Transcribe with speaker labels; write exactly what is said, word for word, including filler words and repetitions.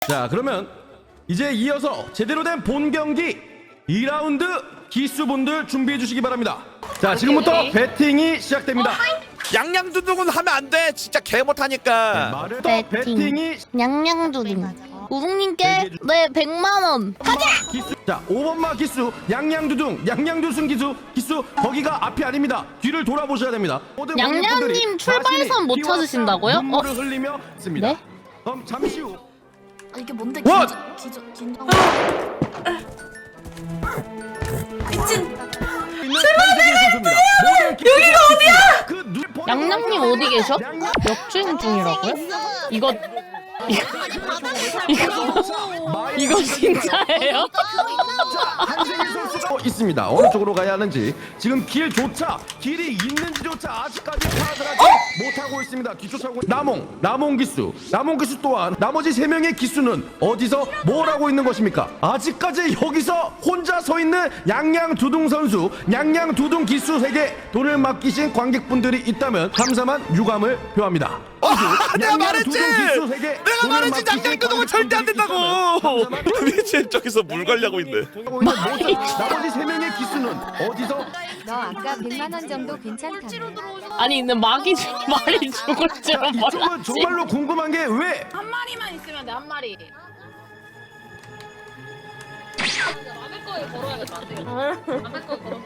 Speaker 1: 자, 그러면 이제 이어서 제대로 된 본 경기 이 라운드 기수분들 준비해 주시기 바랍니다. 자, 지금부터 배팅이 시작됩니다.
Speaker 2: 양양두둥은 하면 안 돼. 진짜 개 못하니까.
Speaker 1: 말을
Speaker 3: 배팅.
Speaker 1: 배팅이
Speaker 3: 냥냥두둥. 우웅님께 네 백만 원. 가자.
Speaker 1: 기수. 자, 오 번마 기수 양양두둥 양양두순 기수 기수 거기가 앞이 아닙니다. 뒤를 돌아보셔야 됩니다. 모든
Speaker 3: 양양님
Speaker 1: 관객분들이
Speaker 3: 출발선
Speaker 1: 자신이
Speaker 3: 못
Speaker 1: 피와
Speaker 3: 찾으신다고요?
Speaker 1: 눈물을 흘리며 있습니다.
Speaker 3: 네?
Speaker 1: 그럼 잠시 후
Speaker 4: 아, 이게 뭔데?
Speaker 1: 원!
Speaker 4: 기저 기저 긴장.
Speaker 1: 미친 출발해! 여기가 어디야? 그
Speaker 3: 양양님 어디 계셔? 역주행 중이라고요? 이거 이거 이거 이거 진짜예요?
Speaker 1: 한승희 선수가 있습니다. 어느 쪽으로 가야 하는지 지금 길조차 길이 있는지조차 아직까지 파악을 하지 못하고 있습니다. 뒤쫓아오고 남홍 남홍 기수 남홍 기수 또한 나머지 세 명의 기수는 어디서 뭘 하고 있는 것입니까? 아직까지 여기서 혼자 서 있는 양양두둥 선수 양양두둥 기수에게 돈을 맡기신 관객분들이 있다면 감사한 유감을 표합니다.
Speaker 2: 아, 내가 말했지.
Speaker 1: 기수에게
Speaker 2: 내가
Speaker 1: 돈을
Speaker 2: 말했지.
Speaker 1: 맡기신
Speaker 2: 양양두둥은 절대 안 된다고.
Speaker 1: 관객분들이
Speaker 2: 미친 저기서 물 관리하고 있네.
Speaker 1: 하고 있는 모든 나머지 세 명의 기수는 어디서
Speaker 5: 너 아까 백만 원 정도 괜찮다며.
Speaker 3: 아니 근데 막이 주- 말이 죽을 줄은
Speaker 1: 이쪽은
Speaker 3: 몰랐지.
Speaker 1: 정말로 궁금한 게 왜
Speaker 6: 한 마리만 있으면 돼, 한 마리. 막을 거에 걸어야겠다. 안 되겠다. 막을 거에 걸어.